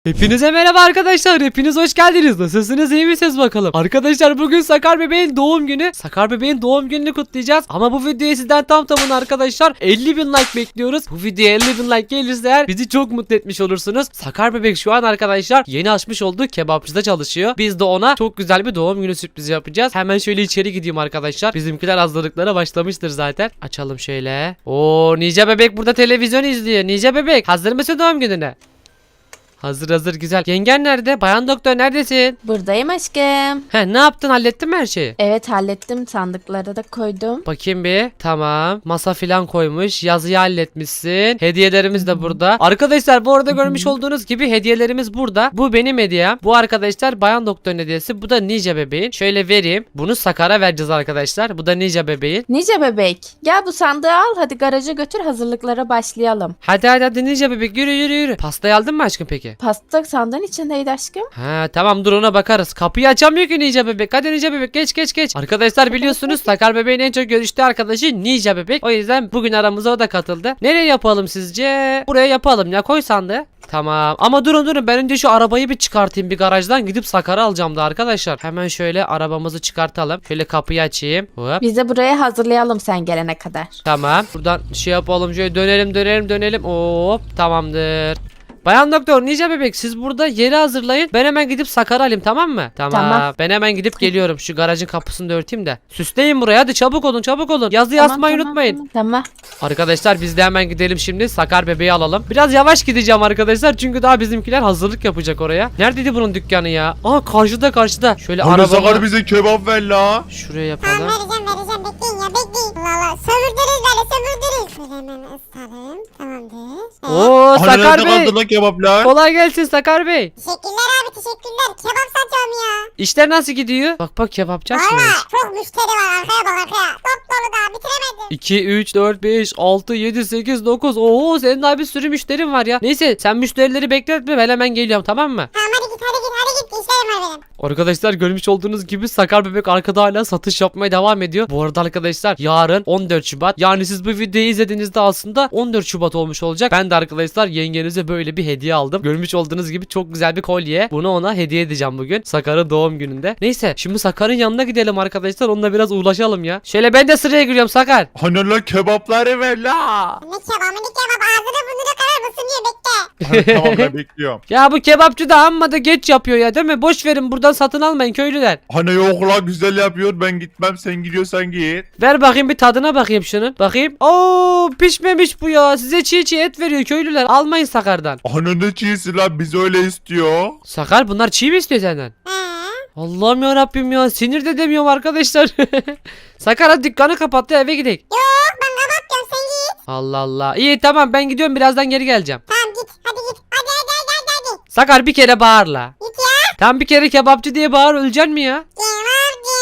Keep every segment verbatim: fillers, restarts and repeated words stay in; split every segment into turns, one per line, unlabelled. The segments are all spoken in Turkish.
Hepinize merhaba arkadaşlar. Hepiniz hoş geldiniz. Nasılsınız, iyi misiniz bakalım? Arkadaşlar bugün Sakar bebeğin doğum günü. Sakar bebeğin doğum gününü kutlayacağız. Ama bu videoya sizden tam tamına arkadaşlar elli bin like bekliyoruz. Bu videoya elli bin like gelirse eğer bizi çok mutlu etmiş olursunuz. Sakar bebek şu an arkadaşlar yeni açmış olduğu kebapçıda çalışıyor. Biz de ona çok güzel bir doğum günü sürprizi yapacağız. Hemen şöyle içeri gideyim arkadaşlar. Bizimkiler hazırlıklara başlamıştır zaten. Açalım şöyle. Oo, Nice bebek burada televizyon izliyor. Nice bebek hazır mısın doğum gününe? Hazır hazır, güzel. Yengen nerede? Bayan doktor neredesin?
Buradayım aşkım.
He, ne yaptın, hallettin mi her şeyi?
Evet hallettim, sandıkları da koydum.
Bakayım bir. Tamam. Masa filan koymuş. Yazıyı halletmişsin. Hediyelerimiz de burada. Arkadaşlar bu arada görmüş olduğunuz gibi hediyelerimiz burada. Bu benim hediyem. Bu arkadaşlar Bayan Doktor'un hediyesi. Bu da Nice bebeğin. Şöyle vereyim. Bunu Sakar'a vereceğiz arkadaşlar. Bu da Nice bebeğin.
Nice bebek, gel bu sandığı al, hadi garaja götür, hazırlıklara başlayalım.
Hadi hadi hadi Nice bebek, yürü yürü yürü. Pastayı aldın mı aşkım peki?
Pasta sandığın içindeydi aşkım.
Ha tamam, dur ona bakarız. Kapıyı açamıyor ki Nice bebek. Hadi Nice bebek, geç geç geç. Arkadaşlar biliyorsunuz Sakar bebeğin en çok görüştüğü arkadaşı Nice bebek. O yüzden bugün aramıza o da katıldı. Nereye yapalım sizce? Buraya yapalım ya, koy sandığı. Tamam ama durun durun, ben önce şu arabayı bir çıkartayım, bir garajdan gidip Sakar'ı alacağım da arkadaşlar. Hemen şöyle arabamızı çıkartalım. Şöyle kapıyı açayım. Hop.
Biz de buraya hazırlayalım sen gelene kadar.
Tamam, buradan şey yapalım, şöyle dönelim dönelim dönelim. Hop, tamamdır. Bayan Doktor, Nice bebek, siz burada yeri hazırlayın. Ben hemen gidip Sakar'ı alayım, tamam mı? Tamam.
Tamam.
Ben hemen gidip geliyorum. Şu garajın kapısını da örteyim de. Süsleyin buraya, hadi çabuk olun çabuk olun. Yazıyı
Tamam,
asmayı
tamam,
unutmayın.
Tamam. tamam.
Arkadaşlar biz de hemen gidelim şimdi. Sakar bebeği alalım. Biraz yavaş gideceğim arkadaşlar. Çünkü daha bizimkiler hazırlık yapacak oraya. Neredeydi bunun dükkanı ya? Aa, karşıda karşıda. Şöyle
Hani Sakar
arabamı
bize kebap ver la.
şuraya
Tamam
yapalım.
vereceğim vereceğim, bekleyin ya bekleyin. Allah Allah, sömürdünüz böyle sömürdünüz. Şöyle hemen ısıtalım, tamamdır. Evet.
Oo,
Hani
Sakar
nerede
Bey.
kaldı la kebaplar?
Kolay gelsin Sakar Bey.
Teşekkürler abi, teşekkürler. Kebap satıyorum ya.
İşler nasıl gidiyor? Bak bak, kebapçı açmış.
Valla çok müşteri var, arkaya bak arkaya. Top dolu daha bitiremedim.
iki, üç, dört, beş, altı, yedi, sekiz, dokuz. Oo, senin daha bir sürü müşterin var ya. Neyse sen müşterileri bekletme, ben hemen geliyorum, tamam mı?
Tamam hadi git hadi git hadi git, işlerim var benim.
Arkadaşlar görmüş olduğunuz gibi Sakar bebek arkada hala satış yapmaya devam ediyor. Bu arada arkadaşlar yarın on dört Şubat. Yani siz bu videoyu izlediğinizde aslında on dört Şubat olmuş olacak. Ben de arkadaşlar yengenize böyle bir hediye aldım. Görmüş olduğunuz gibi çok güzel bir kolye. Bunu ona hediye edeceğim bugün. Sakar'ın doğum gününde. Neyse şimdi Sakar'ın yanına gidelim arkadaşlar. Onunla biraz uğraşalım ya. Şöyle ben de sıraya giriyorum Sakar.
Hani la kebapları ver la.
Ne kebabı ne kebap, ağzını burnunu karar mısın diye bekle.
Hani tamam ben bekliyorum.
Ya bu kebapçı da amma da geç yapıyor ya, değil mi? Boş verin, buradan satın almayın köylüler.
Hani yok la, güzel yapıyor, ben gitmem, sen gidiyorsan git.
Ver bakayım bir tadına bakayım şunun. Bakayım. Oo, pişmemiş bu ya. Size çiğ çiğ et veriyor köylüler. Almayın Sakar'dan.
Hani ne çiğsi la, biz öyle istiyor.
Sakar, bunlar çiğ mi istiyor senden?
He.
Allah'ım ya Rabbim ya, sinir de demiyorum arkadaşlar. Sakar hadi dükkanı kapattı, eve gidelim.
Yok ben kapatıyorum, sen git.
Allah Allah. İyi tamam, ben gidiyorum, birazdan geri geleceğim.
Tamam git hadi git. Hadi hadi hadi hadi hadi.
Sakar bir kere bağırla.
Git ya.
Tam bir kere kebapçı diye bağır, öleceksin mi ya?
Kebapçı.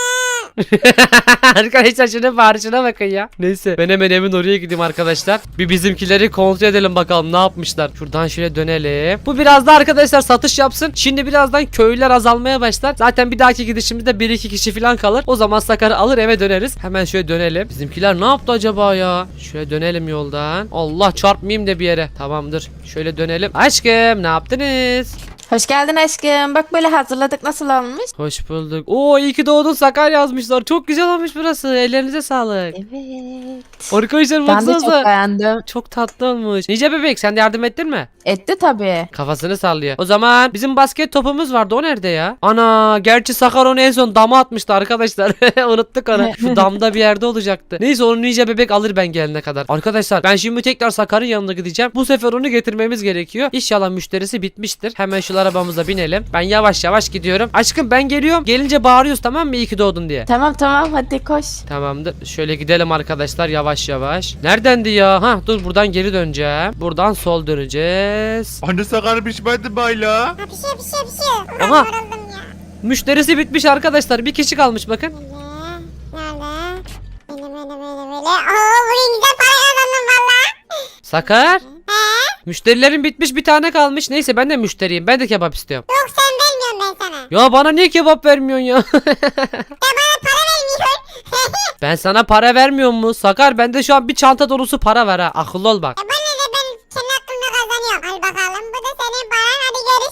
Arkadaşlar şuna bağırışına bakın ya. Neyse ben hemen evin oraya gideyim arkadaşlar. Bir bizimkileri kontrol edelim bakalım ne yapmışlar. Şuradan şöyle dönelim. Bu biraz da arkadaşlar satış yapsın. Şimdi birazdan köylüler azalmaya başlar. Zaten bir dahaki gidişimizde bir iki kişi falan kalır. O zaman Sakar'ı alır eve döneriz. Hemen şöyle dönelim. Bizimkiler ne yaptı acaba ya? Şöyle dönelim yoldan. Allah, çarpmayayım da bir yere. Tamamdır. Şöyle dönelim. Aşkım ne yaptınız?
Hoş geldin aşkım. Bak böyle hazırladık, nasıl olmuş?
Hoş bulduk. Oo, iyi ki doğdun Sakar yazmışlar. Çok güzel olmuş burası. Ellerinize sağlık.
Evet.
Arkadaşlar
Ben de çok
baksanıza.
beğendim.
Çok tatlı olmuş. Nice bebek, sen de yardım ettin mi?
Etti tabii.
Kafasını sallıyor. O zaman bizim basket topumuz vardı, o nerede ya? Ana, gerçi Sakar onu en son dama atmıştı arkadaşlar. Unuttuk onu. Şu damda bir yerde olacaktı. Neyse onu Nice bebek alır ben gelene kadar. Arkadaşlar ben şimdi tekrar Sakar'ın yanına gideceğim. Bu sefer onu getirmemiz gerekiyor. İnşallah müşterisi bitmiştir. Hemen şu arabamıza binelim. Ben yavaş yavaş gidiyorum. Aşkım ben geliyorum. Gelince bağırıyoruz, tamam mı? İyi ki doğdun diye.
Tamam tamam hadi koş.
Tamamdır. Şöyle gidelim arkadaşlar yavaş yavaş. Neredendi ya? Ha dur, buradan geri döneceğim. Buradan sol döneceğiz.
Hani Sakar pişmedi bayla.
Ha pişiyor pişiyor pişiyor. Ulan
Aha.
yoruldum ya.
Müşterisi bitmiş arkadaşlar. Bir kişi kalmış bakın.
Nerede? Nerede? Böyle böyle böyle böyle. Oo bugün güzel para kazandım valla.
Sakar.
He?
Müşterilerin bitmiş, bir tane kalmış. Neyse ben de müşteriyim. Ben de kebap istiyorum.
Yok sen vermiyorum ben sana.
Ya bana niye kebap vermiyorsun ya?
Sen bana para vermiyorsun.
Ben sana para vermiyor mu? Sakar, bende şu an bir çanta dolusu para var ha. Akıllı ol bak.
E bana ne, ben senin hakkında kazanıyorum. Al bakalım, bu da senin paran, hadi görüşürüz.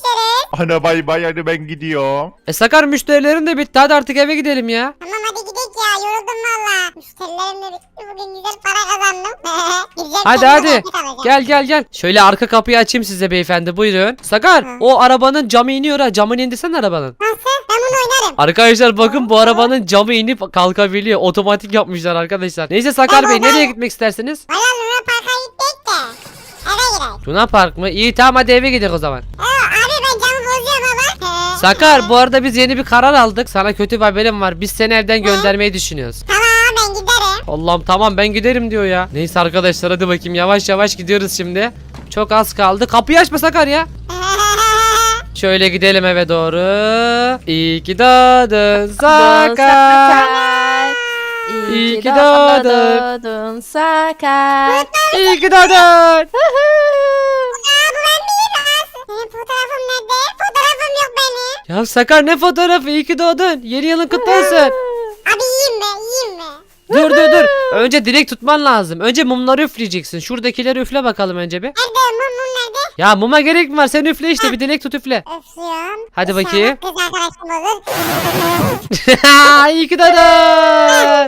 Ana bay bay hadi ben gidiyorum.
E Sakar müşterilerin de bitti. Hadi artık eve gidelim ya.
Tamam hadi gidelim ya. Yoruldum valla. Müşterilerim de bitti. Bugün güzel para kazandım. Gideceğim
Hadi
kendime
hadi.
market alacağım.
Gel gel gel. Şöyle arka kapıyı açayım size beyefendi. Buyurun. Sakar o arabanın camı iniyor ha. Camını indirsene arabanın.
Nasıl? Ben bunu oynarım.
Arkadaşlar bakın bu arabanın camı inip kalkabiliyor. Otomatik yapmışlar arkadaşlar. Neyse Sakar Bey nereye gitmek istersiniz?
Valla Luna Park'a gittik de. Eve girelim.
Luna Park mı? İyi tamam hadi eve gidelim o zaman.
Aa, abi ben camı bozuyorum ama.
Sakar bu arada biz yeni bir karar aldık. Sana kötü bir haberim var. Biz seni evden göndermeyi düşünüyoruz.
Tamam ben giderim.
Allah'ım tamam ben giderim diyor ya. Neyse arkadaşlar hadi bakayım yavaş yavaş gidiyoruz şimdi. Çok az kaldı. Kapıyı açma Sakar ya. Şöyle gidelim eve doğru. İyi ki doğdun Sakar.
İyi
ki
ki
doğdun.
doğdun Sakar.
İyi ki doğdun.
Aa bu ben miyim? Benim fotoğrafım nerede? Fotoğrafım yok benim.
Ya Sakar ne fotoğrafı? İyi ki doğdun. Yeni yılın kutlu olsun.
Abi yiyeyim mi? Yiyeyim mi?
Dur dur dur. Önce dilek tutman lazım. Önce mumları üfleyeceksin. Şuradakileri üfle bakalım önce bir.
Nerede? Mum mum nerede?
Ya muma gerek mi var? Sen üfle işte bir dilek tut üfle.
Öpüyorum.
Hadi
İnşallah
bakayım.
Kız arkadaşım olur.
İyi ki doğdun.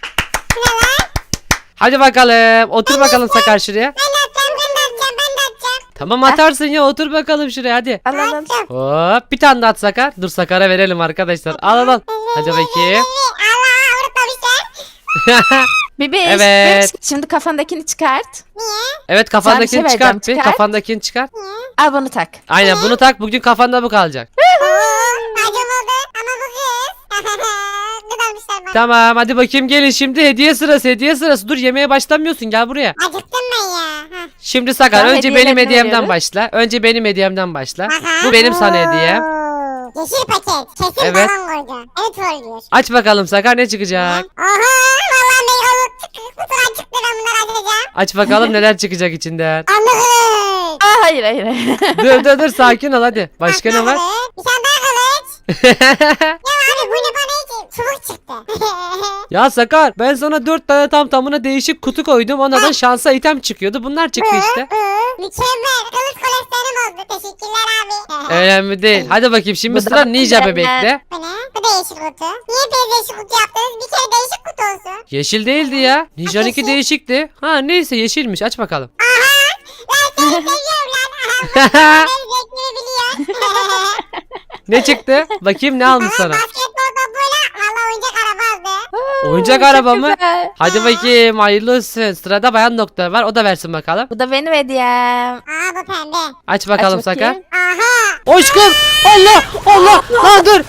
Hadi bakalım. Otur bakalım Sakar şuraya.
Ben de atacağım, ben de atacağım, ben de atacağım.
Tamam atarsın ya otur bakalım şuraya hadi.
Al al al.
Atacağım.
Hop bir tane de at Sakar. Dur Sakar'a verelim arkadaşlar. Al al al. Hadi bakayım.
Allah unutmamışlar.
Bebeş,
Evet.
bebeş, şimdi kafandakini çıkart.
Niye?
Evet kafandakini
Sana bir şey
çıkart bir.
vereceğim, çıkart.
Kafandakini çıkart.
Al bunu tak.
Aynen bunu tak bugün kafanda bu kalacak.
Oo, acım oldu ama bu kız. Gıdamışlar bana.
Tamam hadi bakayım gelin şimdi hediye sırası hediye sırası. Dur yemeğe başlamıyorsun gel buraya.
Acıktım ben ya. Hah.
Şimdi Sakar
Tamam,
önce benim
hediyelerini
hediyemden
veriyoruz.
başla. Önce benim hediyemden başla.
Aha.
Bu benim sana hediyem.
Oo, Yeşil paket. Kesin
Evet.
balon koydu. Evet trollüyor.
Aç bakalım Sakar ne çıkacak?
Oha vallahi meyve çıktı. Kutudan çıktı ben bunları açacağım.
Aç bakalım neler çıkacak içinden.
Anlık.
Aa, hayır hayır. hayır.
Dur dur dur sakin ol hadi. Başka ne var?
Bir tane daha kılıç. Ya abi bu ne bana hiç çubuk çıktı.
Ya Sakar ben sana dört tane tam tamına değişik kutu koydum. Onlardan şansa item çıkıyordu. Bunlar çıktı işte.
Mükemmel. Kılıç koleksiyonum oldu. Teşekkürler abi.
Önemli değil. Hadi bakayım şimdi
Bu
sıra
da
Ninja
güzel.
bebekte.
Bu ne? Bu da yeşil kutu. Niye bir yeşil kutu yaptınız? Bir kere değişik kutu olsun.
Yeşil değildi ya. Ninja'nınki
yeşil.
değişikti. Ha neyse yeşilmiş. Aç bakalım.
Lan seni seviyorum lan. Ben zevkini biliyor.
Ne çıktı? Bakayım ne almış sana.
Basketbol topuyla valla oyuncak araba aldı.
Oyuncak
Çok
araba mı?
güzel.
Hadi bakayım hayırlı olsun. Sırada bayan doktor var. O da versin bakalım.
Bu da benim hediyem.
Aa bu pembe.
Aç bakalım
Aç
Sakar.
bakayım.
Aha.
Aşkım. Allah Allah. Lan dur.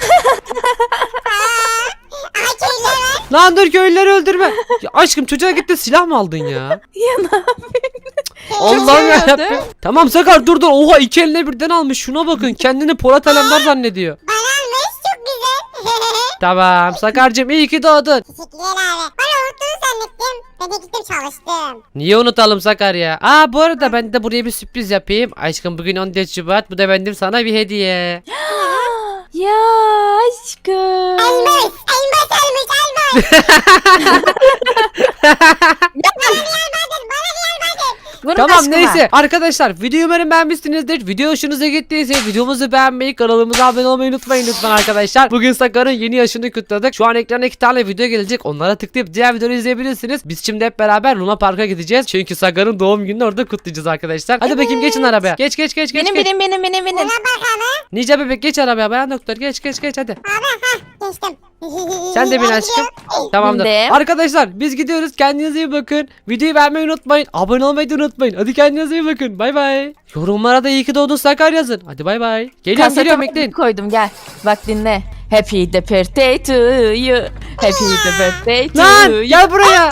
Aha köylü var.
Lan dur köylüleri öldürme. Ya aşkım çocuğa gitti silah mı aldın ya?
Ya ne yapayım?
Allah'ım
şey
yarabbim. Tamam Sakar dur dur. Oha iki eline birden almış. Şuna bakın. Kendini Polat Alemdar zannediyor.
Bana almış çok güzel.
Tamam Sakar'cığım iyi ki doğdun.
Teşekkürler abi. Bana unuttuğunu zannettim. Ben de gittim çalıştım.
Niye unutalım Sakar ya? Aa bu arada ben de buraya bir sürpriz yapayım. Aşkım bugün on dört Şubat. Bu da benim sana bir hediye.
Ya aşkım.
Elmas. Elmas almış elmas. Bana niye almadın? Bana niye almadın?
Bunun
Tamam
aşkı
neyse
var.
arkadaşlar videoyu umarım beğenmişsinizdir. Video hoşunuza gittiyse videomuzu beğenmeyi, kanalımıza abone olmayı unutmayın lütfen arkadaşlar. Bugün Sakar'ın yeni yaşını kutladık. Şu an ekrana iki tane video gelecek. Onlara tıklayıp diğer videoları izleyebilirsiniz. Biz şimdi hep beraber Luna Park'a gideceğiz. Çünkü Sakar'ın doğum gününü orada kutlayacağız arkadaşlar. Hadi bakayım geçin arabaya. Geç geç geç geç.
Benim
geç.
benim benim benim benim.
Buna bakalım.
Ninja bebek geç arabaya. Bayan doktor geç geç geç hadi.
Abi ha geçtim.
Sen de bin aşkım. Tamamdır.
Bindim.
Arkadaşlar biz gidiyoruz. Kendinize iyi bakın. Videoyu beğenmeyi unutmayın. Abone olmayı da unutmayın. Hadi kendinize iyi bakın. Bay bay. Yorumlara da iyi ki doğdun Sakar yazın. Hadi bay bay. Geliyorum
Kasete
geliyorum
müzik
bekleyin.
koydum gel. Bak dinle. Happy the birthday to you. Happy the birthday to
Lan
you.
gel buraya.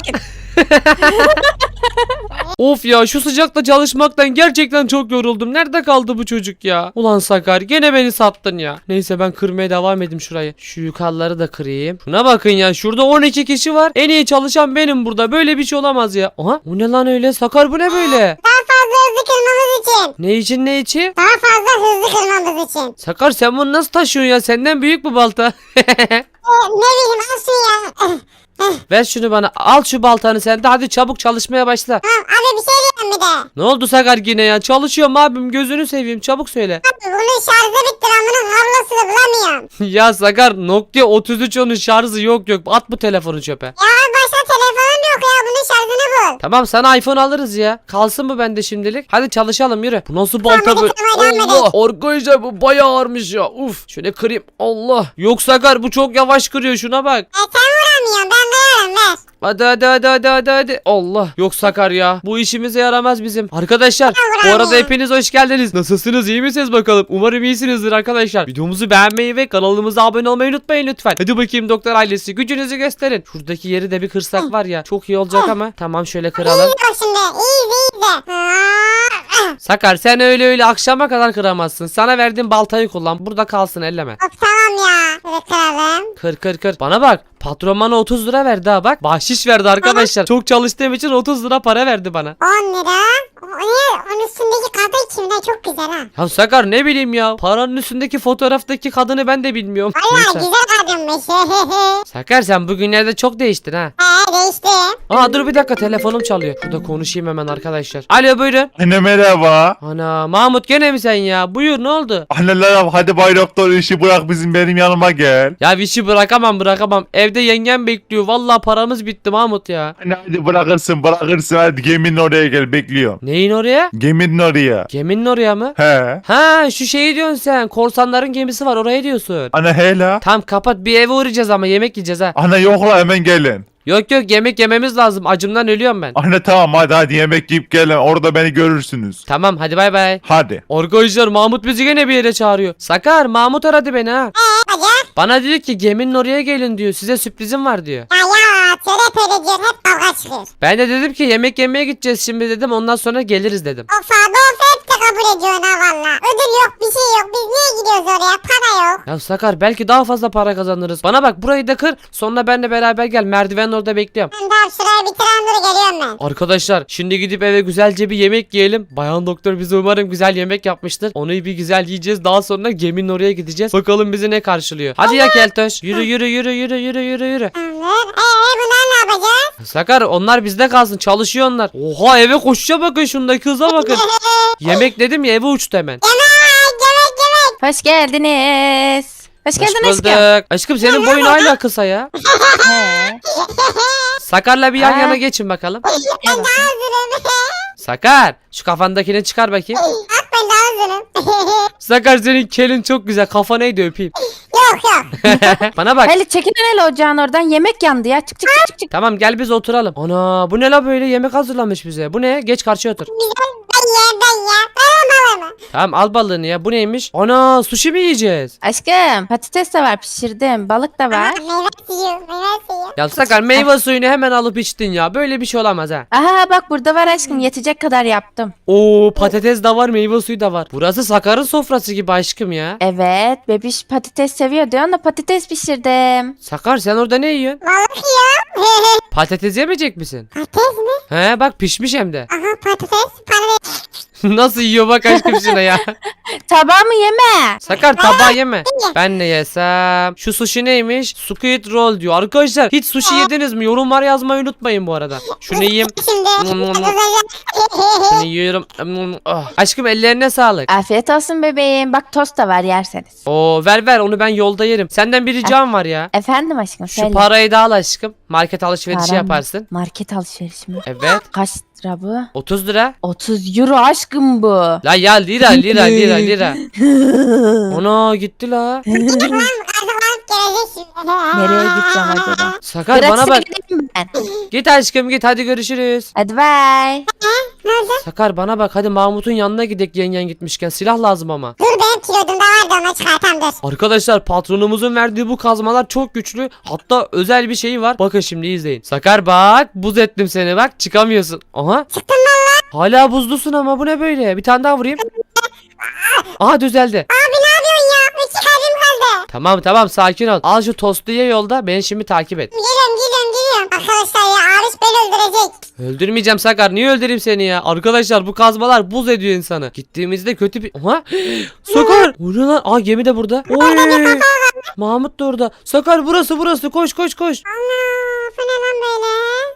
Of ya şu sıcakta çalışmaktan gerçekten çok yoruldum. Nerede kaldı bu çocuk ya? Ulan Sakar gene beni sattın ya. Neyse ben kırmaya devam edeyim şurayı. Şu yukarıları da kırayım. Şuna bakın ya şurada on iki kişi var. En iyi çalışan benim burada. Böyle bir şey olamaz ya. Aha bu ne lan öyle? Sakar bu ne böyle?
Daha fazla hızlı kırmamız için.
Ne için ne için?
Daha fazla hızlı kırmamız için.
Sakar sen bunu nasıl taşıyorsun ya? Senden büyük bu balta.
Ee, ne bileyim al şunu ya.
Ver şunu bana. Al şu baltanı sen de hadi çabuk çalışmaya başla.
Tamam abi bir şey diyeyim bir de.
Ne oldu Sakar yine ya? Çalışıyorum abim gözünü seveyim çabuk söyle.
Abi bunun şarjı bitti ben bunun kablosunu bulamıyorum.
Ya Sakar Nokia otuz üç onun şarjı yok yok. At bu telefonu çöpe.
Ya abi başka telefonum yok ya bunun şarjını bul.
Tamam sana iPhone alırız ya. Kalsın bu bende şimdilik. Hadi çalışalım yürü. Bu nasıl balta
hadi
böyle?
tamam, hadi.
Allah arkadaşlar bu bayağı ağırmış ya. Uf şöyle kırayım. Allah. Yok Sakar bu çok yavaş kırıyor şuna bak.
E sen vuramıyorsun ben kırarım ver.
Hadi hadi hadi hadi hadi hadi. Allah. Yok Sakar ya. Bu işimize yaramaz bizim. Arkadaşlar bu arada hepiniz hoş geldiniz. Nasılsınız? İyi misiniz bakalım? Umarım iyisinizdir arkadaşlar. Videomuzu beğenmeyi ve kanalımıza abone olmayı unutmayın lütfen. Hadi bakayım doktor ailesi gücünüzü gösterin. Şuradaki yeri de bir kırsak var ya. Çok iyi olacak ama. Tamam şöyle kıralım.
İyi bak şimdi iyi iyi.
Sakar sen öyle öyle akşama kadar kıramazsın. Sana verdiğim baltayı kullan. Burada kalsın elleme.
Of tamam ya. Böyle kıralım.
Kır kır kır. Bana bak. Patron bana otuz lira verdi ha bak. Bahşiş verdi arkadaşlar. Çok çalıştığım için otuz lira para verdi bana.
on lira. O ne? Onun üstündeki kadın kimden çok güzel ha.
Ya Sakar ne bileyim ya. Paranın üstündeki fotoğraftaki kadını ben de bilmiyorum.
Valla
Neyse.
güzel kadınmış.
Sakar sen bugünlerde çok değiştin ha.
He değişti.
Aa dur bir dakika telefonum çalıyor. Şurada konuşayım hemen arkadaşlar. Alo buyurun.
Anne merhaba.
Ana Mahmut gene mi sen ya? Buyur ne oldu?
Anneler hadi Bay Doktor işi bırak bizim benim yanıma gel.
Ya işi bırakamam bırakamam. Evde yengem bekliyor. Vallahi paramız bitti Mahmut ya.
Anne hadi bırakırsın bırakırsın hadi geminin oraya gel bekliyorum.
Neyin oraya?
Geminin oraya.
Geminin oraya mı?
He.
Ha şu şeyi diyorsun sen. Korsanların gemisi var oraya diyorsun.
Anne hele.
Tamam kapat bir eve uğrayacağız ama yemek yiyeceğiz ha.
Anne yok la hemen gelin.
Yok yok yemek yememiz lazım. Acımdan ölüyorum ben.
Anne tamam hadi hadi yemek yiyip gelin orada beni görürsünüz.
Tamam hadi bay bay.
Hadi.
Arkadaşlar Mahmut bizi gene bir yere çağırıyor. Sakar Mahmut aradı beni ha.
Eee bacak.
Bana diyor ki geminin oraya gelin diyor. Size sürprizim var diyor.
Ya ya söyle söyle diyor hep kavga çıkıyor.
Ben de dedim ki yemek yemeye gideceğiz şimdi dedim. Ondan sonra geliriz dedim.
Of abi of hep de kabul ediyorsun ha valla. Ödül yok bir şey yok biz niye gidiyoruz oraya para yok.
Ya Sakar belki daha fazla para kazanırız. Bana bak burayı da kır. Sonra benle beraber gel. Merdivenin orada bekliyorum.
Ben daha şurayı bitiren dur geliyorum ben.
Arkadaşlar şimdi gidip eve güzelce bir yemek yiyelim. Bayan doktor bize umarım güzel yemek yapmıştır. Onu bir güzel yiyeceğiz. Daha sonra geminin oraya gideceğiz. Bakalım bizi ne karşılıyor. Hadi ya Keltoş. Yürü yürü yürü yürü yürü yürü yürü.
Tamamdır. Eee bunlar ne yapacağız?
Sakar onlar bizde kalsın. Çalışıyor onlar. Oha eve koşuşa bakın şundaki hıza bakın. Yemek dedim ya eve uçtu hemen.
Yemek yemek yemek.
Hoş geldiniz. Hoş
Hoş
geldin aşkım.
bulduk. Aşkım senin boyun hala kısa ya.
He.
Sakar'la bir yan
Ha.
yana geçin bakalım.
Ben daha hazırım.
Sakar şu kafandakini çıkar bakayım.
Bak ben daha hazırım.
Sakar senin kelin çok güzel. Kafa neydi öpeyim.
yok yok.
Bana bak.
Hele çekin hele ocağın oradan yemek yandı ya. Çık çık çık çık. çık.
Tamam gel biz oturalım. Ana bu ne la böyle yemek hazırlamış bize. Bu ne? Geç karşıya otur.
Güzel ben ye ben ye. Ben alır mı?
Tamam al balığını ya. Bu neymiş? Ana sushi mi yiyeceğiz?
Aşkım patates de var pişirdim. Balık da var.
Meyve suyu meyve suyu.
Ya Sakar meyve suyunu hemen alıp içtin ya. Böyle bir şey olamaz ha.
Aha bak burada var aşkım yetecek kadar yaptım.
Oo patates de var meyve suyu da var. Burası Sakar'ın sofrası gibi aşkım ya.
Evet bebiş patates seviyor diyorsun da patates pişirdim.
Sakar sen orada ne yiyorsun?
Balık yiyor.
Patates yemeyecek misin?
Patates mi?
He bak pişmiş hem de.
Aha patates. Patates.
Nasıl yiyor bak aşkım şuna ya.
Tabağımı yeme.
Sakar tabağı yeme. Ben ne yesem? Şu sushi neymiş? Squid roll diyor. Arkadaşlar hiç sushi yediniz mi? Yorumlar yazmayı unutmayın bu arada. Şunu yiyeyim.
Şimdi.
Nom nom nom. Şunu yiyorum. Ah. Aşkım ellerine sağlık.
Afiyet olsun bebeğim. Bak tost da var yerseniz.
Oo ver ver onu ben yolda yerim. Senden bir ricam var ya.
Efendim aşkım
Şu
söyle.
parayı da al aşkım. Market alışverişi
Param mı?
yaparsın.
Market alışverişi mi?
Evet.
Kaç lira bu?
otuz lira.
otuz euro aşkım bu.
La ya lira lira lira lira. Ona gitti la.
Kazıklanıp gelecek şimdi.
Nereye gideceğim acaba?
Sakar bana
Bıraksana
bak.
gideyim ben.
Git aşkım git hadi görüşürüz.
Hadi bay.
Ne oldu?
Sakar bana bak hadi Mahmut'un yanına gidek yengen gitmişken silah lazım ama.
Dur benim kilodumda vardı onu çıkartam dur.
Arkadaşlar patronumuzun verdiği bu kazmalar çok güçlü. Hatta özel bir şeyi var. Bakın şimdi izleyin. Sakar bak buz ettim seni bak çıkamıyorsun. Aha.
Çıktın valla.
Hala buzlusun ama bu ne böyle? Bir tane daha vurayım. Aha düzeldi.
Abi ne yapıyorsun ya? İki kalbim kaldı.
Tamam tamam sakin ol. Al şu tostu ye yolda beni şimdi takip et.
Geliyorum geliyorum geliyorum. Arkadaşlar ya Arif beni öldürecek.
Öldürmeyeceğim Sakar. Niye öldüreyim seni ya? Arkadaşlar bu kazmalar buz ediyor insanı. Gittiğimizde kötü bir... Aha. Sakar. O ne lan? Aa gemi de burada. Oy. Mahmut da orada. Sakar burası burası. Koş koş koş.
Allah bu ne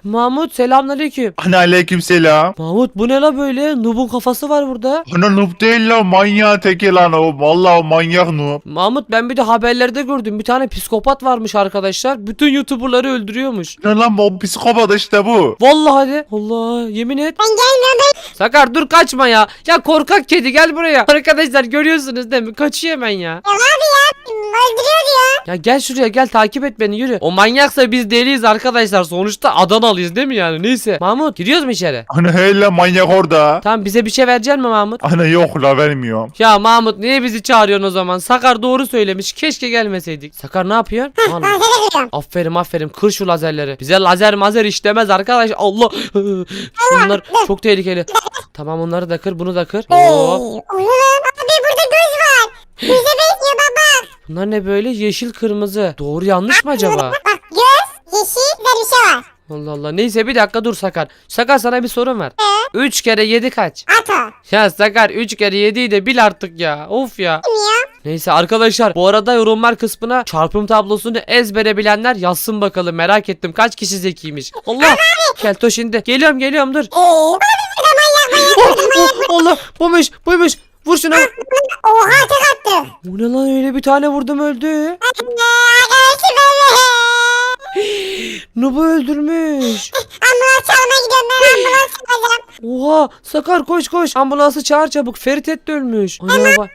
Mahmut selamünaleyküm.
Ana aleyküm selam.
Mahmut bu ne la böyle? Nub'un kafası var burada.
Ana noob değil lan, manyağı teki lan o. Vallahi o manyak noob.
Mahmut ben bir de haberlerde gördüm. Bir tane psikopat varmış arkadaşlar. Bütün YouTuber'ları öldürüyormuş.
Ne lan bu psikopat işte bu.
Vallahi de. Allah yemin et.
Ben gelmiyorum ben.
Sakar dur kaçma ya. Ya korkak kedi gel buraya. Arkadaşlar görüyorsunuz değil mi? Kaçıyor hemen ya.
Ya abi ya öldürüyor diyor.
Ya gel şuraya gel takip et beni yürü. O manyaksa biz deliyiz arkadaşlar. Sonuçta Adanalıyız değil mi yani? Neyse. Mahmut gidiyoruz mu içeri?
Ana hele manyak orada.
Tamam bize bir şey verecek mi Mahmut?
Ana yok la, vermiyorum.
Ya Mahmut niye bizi çağırıyorsun o zaman? Sakar doğru söylemiş. Keşke gelmeseydik. Sakar ne yapıyor? Allah.
Ben seni kırıyorum.
Aferin aferin kır şu lazerleri. Bize lazer mazer işlemez arkadaş. Allah. Şunlar çok tehlikeli. Tamam onları da kır bunu da kır.
Hey,
Oo.
oğlum abi burada göz var. Göze benziyor baba.
Bunlar ne böyle yeşil kırmızı. Doğru yanlış mı acaba?
Bak göz, yeşil, güzel bir şey var.
Allah Allah. Neyse bir dakika dur Sakar. Sakar sana bir sorum var. üç kere yedi kaç?
At o.
Ya Sakar üç kere yediyi de bil artık ya. Of ya.
Kim ya?
Neyse arkadaşlar bu arada yorumlar kısmına çarpım tablosunu ezbere bilenler yazsın bakalım. Merak ettim kaç kişi zekiymiş. Allah. Keltoş indi. Geliyorum geliyorum dur.
Eee abi burada manyak manyak.
Oh, oh, Allah buymuş buymuş. Vur şunu.
Oha tek attı.
Bu ne lan öyle bir tane vurdum öldü.
Anne arkadaşı böyle.
Nub'u öldürmüş.
Ambulans çalmaya gidiyorum ben ambulans çalacağım.
Oha Sakar koş koş. Ambulansı çağır çabuk. Ferit de ölmüş. Ana bak.
Ambulans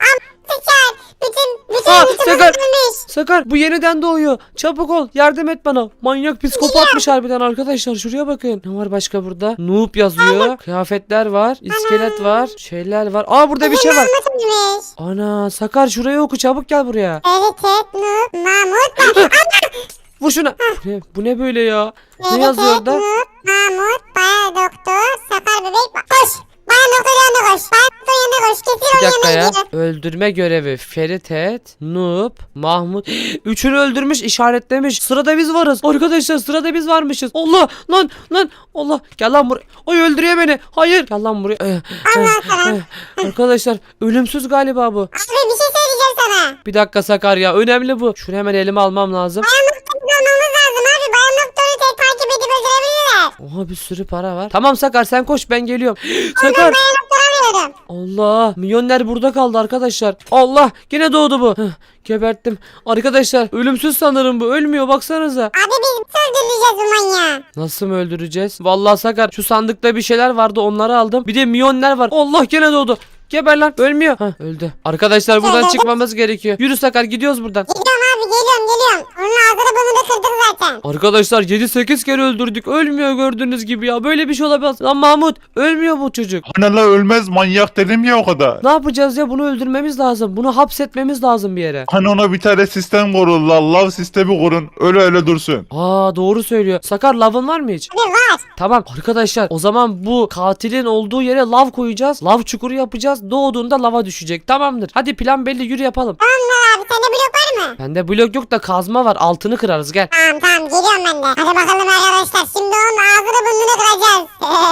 çağır. Bütün bütün
Aa,
bütün
Sakar.
öldürmüş.
Sakar bu yeniden doğuyor. Çabuk ol yardım et bana. Manyak psikopatmış harbiden arkadaşlar. Şuraya bakın. Ne var başka burada? Noob yazıyor. Kıyafetler var. İskelet var. Şeyler var. Aa burada bir şey var.
Anlatılmış.
Ana Sakar şuraya oku çabuk gel buraya.
Evet evet Nuh Mahmut.
Vur şuna. Bu ne, bu ne böyle ya? Ne
Evet
yazıyor
evet
orada?
Nuh Mahmut Bayan Doktor Sakar Bebek. Koş. Bayan Doktor yanına koş. Bayan Doktor yanına koş. Kesin
Bir
onun
dakika
yanına
ya.
gidiyor.
Öldürme görevi. Ferit et, Noob, Mahmut. Üçünü öldürmüş, işaretlemiş. Sırada biz varız. Arkadaşlar sırada biz varmışız. Allah lan lan. Allah gel lan buraya. Oy öldürüyor beni. Hayır. Gel lan buraya. Eh, eh,
Allah sana.
eh. Arkadaşlar ölümsüz galiba bu.
Abi bir şey söyleyeceğim sana.
Bir dakika Sakar ya. Önemli bu. Şunu hemen elime almam lazım.
Bayan Doktor'u bulmamız lazım abi. Bayan Doktor'u tek takip edip öldürebilirler.
Oha bir sürü para var. Tamam Sakar sen koş ben geliyorum. Sakar.
Bayan Doktor'u arıyorum.
Allah milyoner burada kaldı arkadaşlar. Allah yine doğdu bu. Heh, geberttim. Arkadaşlar ölümsüz sanırım bu. Ölmüyor baksanıza.
Abi biz nasıl öldüreceğiz bu manyağı?
Nasıl mı öldüreceğiz? Vallahi Sakar şu sandıkta bir şeyler vardı onları aldım. Bir de milyoner var. Allah gene doğdu. Geber lan. Ölmüyor. Hah öldü. Arkadaşlar buradan çıkmamız gerekiyor. Yürü Sakar gidiyoruz buradan.
Geliyorum abi geliyorum geliyorum. Onun ağzını burnunu kırdık zaten.
Arkadaşlar yedi sekiz kere öldürdük. Ölmüyor gördüğünüz gibi ya. Böyle bir şey olamaz. Lan Mahmut ölmüyor bu çocuk.
Ana la ölmez, manyak dedim ya o kadar.
Ne yapacağız ya? Bunu öldürmemiz lazım. Bunu hapsetmemiz lazım bir yere.
Hani ona bir tane sistem kurun la, lav sistemi kurun, öyle öyle dursun.
Aa doğru söylüyor. Sakar lavın var mı hiç?
Abi var.
Tamam arkadaşlar o zaman bu katilin olduğu yere lav koyacağız. Lav çukuru yapacağız. Doğduğunda lava düşecek. Tamamdır. Hadi plan belli yürü yapalım.
Tamam abi sende blok var mı?
Bende blok yok da kazma var. Altını kırarız gel.
Tamam tamam geliyorum ben de. Hadi bakalım arkadaşlar şimdi onun ağzını burnunu kıracağız.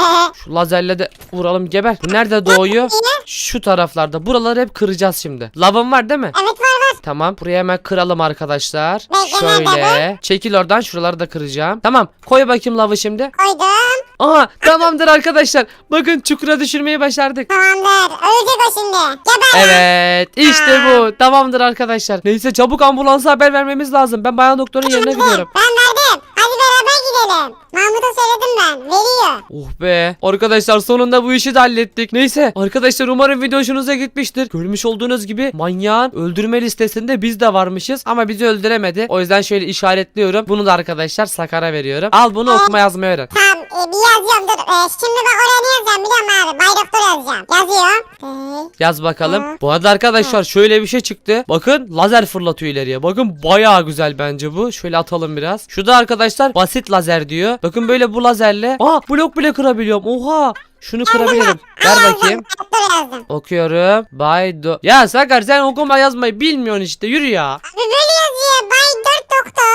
Şu lazerle de vuralım geber. Bu nerede doğuyor? Şu taraflarda. Buraları hep kıracağız şimdi. Lavın var değil mi?
Evet var var.
Tamam. Buraya hemen kıralım arkadaşlar.
Bekle, nerede
Şöyle. Çekil oradan. Şuraları da kıracağım. Tamam. Koy bakayım lavı şimdi.
Koydum.
Aha tamamdır arkadaşlar. Bakın çukura düşürmeyi başardık.
Tamamdır. Ölecek o şimdi. Geber.
Evet işte bu. Tamamdır arkadaşlar. Neyse çabuk ambulansa haber vermemiz lazım. Ben bayan doktorun yerine gidiyorum.
Ben verdim. Hadi beraber gidelim. Mahmut'a söyledim ben. Veriyor.
Oh be. Arkadaşlar sonunda bu işi de hallettik. Neyse arkadaşlar umarım video hoşunuza gitmiştir. Görmüş olduğunuz gibi manyağın öldürme listesinde biz de varmışız. Ama bizi öldüremedi. O yüzden şöyle işaretliyorum. Bunu da arkadaşlar Sakar'a veriyorum. Al bunu okuma yazmayı öğren.
Tamam e, bir yazıyorum dur. E, şimdi bak oraya ne yazacağım biliyor musun abi? Bay Doktor yazacağım. Yazıyorum. E,
Yaz bakalım. Bu arada arkadaşlar şöyle bir şey çıktı. Bakın lazer fırlatıyor ileriye. Bakın bayağı güzel bence bu. Şöyle atalım biraz. Şu da arkadaşlar basit lazer diyor. Bakın böyle bu lazerle. Aa blok bile kırabiliyorum. Oha. Şunu kırabilirim. Ver bakayım.
Doktor yazdım.
Okuyorum. Bay do... Ya Sakar sen okuma yazmayı bilmiyorsun işte. Yürü ya.
Abi böyle yazıyor. Bay Dört Doktor.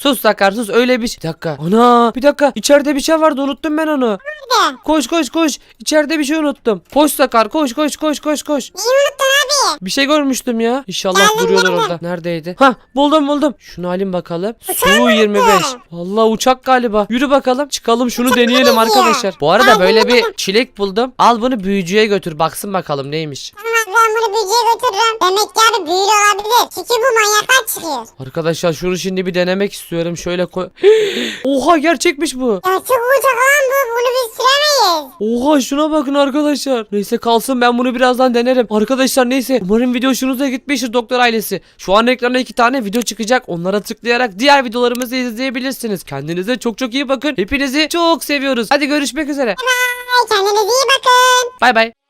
Sus Sakar sus, öyle bir şey. Bir dakika. Ana bir dakika, içeride bir şey vardı, unuttum ben onu.
Nerede?
Koş koş koş, içeride bir şey unuttum. Koş Sakar, koş koş koş koş koş.
Neyi unuttun abi?
Bir şey görmüştüm ya. İnşallah
Geldim,
duruyorlar
geldim.
orada. Neredeydi? Ha, buldum buldum. Şunu alayım bakalım.
Uçağı
Su yirmi beş.
unuttum.
Vallahi uçak galiba. Yürü bakalım. Çıkalım şunu
Uçak
deneyelim
neresi ya?
arkadaşlar. Bu arada
Ay,
böyle
buldum.
bir çilek buldum. Al bunu büyücüye götür. Baksın bakalım neymiş.
Tamam ben bunu büyücüye götürürüm. Demek ki abi büyülü olabilir. Çünkü bu manyaklar çıkıyor.
Arkadaşlar şunu şimdi bir denemek istiyorum. Şöyle koy. Oha, gerçekmiş bu.
Ya çok uçak lan bu. Bunu biz süremeyiz.
Oha, şuna bakın arkadaşlar. Neyse kalsın, ben bunu birazdan denerim. Arkadaşlar neyse, umarım video hoşunuza gitmiştir doktor ailesi. Şu an ekrana iki tane video çıkacak. Onlara tıklayarak diğer videolarımızı izleyebilirsiniz. Kendinize çok çok iyi bakın. Hepinizi çok seviyoruz. Hadi görüşmek üzere.
Ay kendinize iyi bakın.
Bay bay.